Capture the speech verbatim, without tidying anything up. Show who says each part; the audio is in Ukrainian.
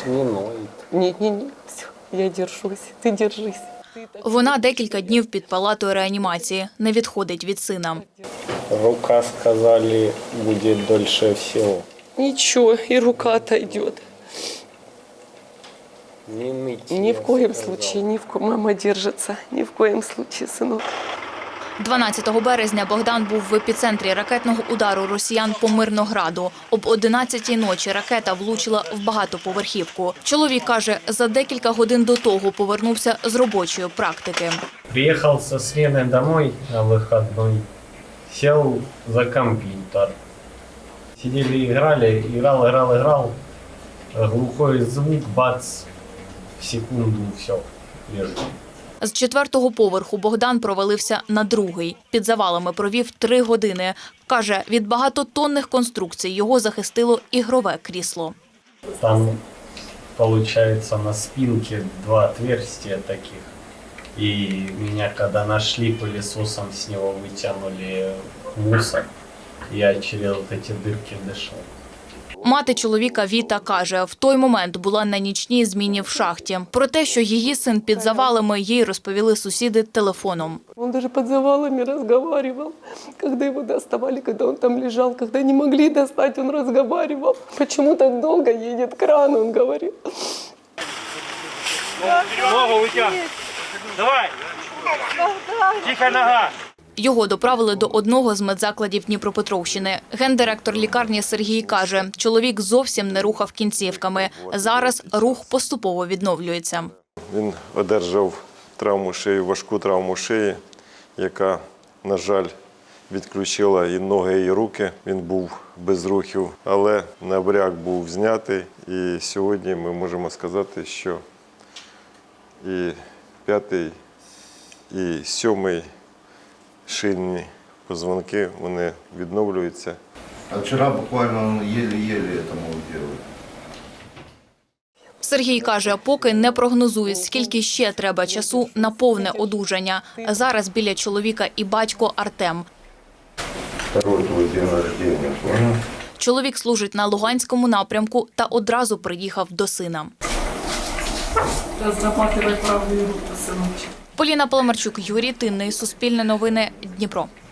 Speaker 1: Не ноет.
Speaker 2: Нет, нет, нет, все, я держусь, ты держись.
Speaker 3: Вона декілька днів під палатою реанімації, не відходить від сина.
Speaker 1: Рука, сказали, будет дольше всего.
Speaker 2: Ничего, и рука отойдет.
Speaker 1: Не ныть.
Speaker 2: Ни
Speaker 1: я
Speaker 2: в коем
Speaker 1: сказал.
Speaker 2: случае, ни в коем, мама держится, ни в коем случае, сынок.
Speaker 3: дванадцятого березня Богдан був в епіцентрі ракетного удару росіян по Мирнограду. Об одинадцятій ночі ракета влучила в багатоповерхівку. Чоловік каже, за декілька годин до того повернувся з робочої практики.
Speaker 1: Приехал со смены домой на выходной, сел за компьютер. Сидели, играли, играл, играл, играл. Глухой звук, бац, в секунду все, лежу.
Speaker 3: З четвертого поверху Богдан провалився на другий. Під завалами провів три години. Каже, від багатотонних конструкцій його захистило ігрове крісло.
Speaker 1: Там, получается, на спинке два отверстия таких. И меня, когда нашли, пылесосом с него вытянули мусор. Я через вот эти дырки дышал.
Speaker 3: Мати чоловіка Віта каже, в той момент була на нічній зміні в шахті. Про те, що її син під завалами, їй розповіли сусіди телефоном.
Speaker 2: Он даже под завалами разговаривал, когда его доставали, когда он там лежал, когда не могли достать, он разговаривал. Почему так долго едет кран, он говорил.
Speaker 4: Ногу вытягивай. Давай. Тихо, нога.
Speaker 3: Його доправили до одного з медзакладів Дніпропетровщини. Гендиректор лікарні Сергій каже, чоловік зовсім не рухав кінцівками. Зараз рух поступово відновлюється.
Speaker 5: Він одержав травму шиї, важку травму шиї, яка, на жаль, відключила і ноги, і руки. Він був без рухів, але набряк був знятий. І сьогодні ми можемо сказати, що і п'ятий, і сьомий шийні позвонки, вони відновлюються.
Speaker 6: А вчора буквально он еле-еле это мог делать.
Speaker 3: Сергій каже, поки не прогнозує, скільки ще треба часу на повне одужання. Зараз біля чоловіка і батько Артем.
Speaker 6: Второй твой день рождения, понял?
Speaker 3: Чоловік служить на Луганському напрямку та одразу приїхав до сина.
Speaker 2: Разрабатывай правую руку, сыночек.
Speaker 3: Поліна Поломарчук, Юрій Тинний, Суспільне новини, Дніпро.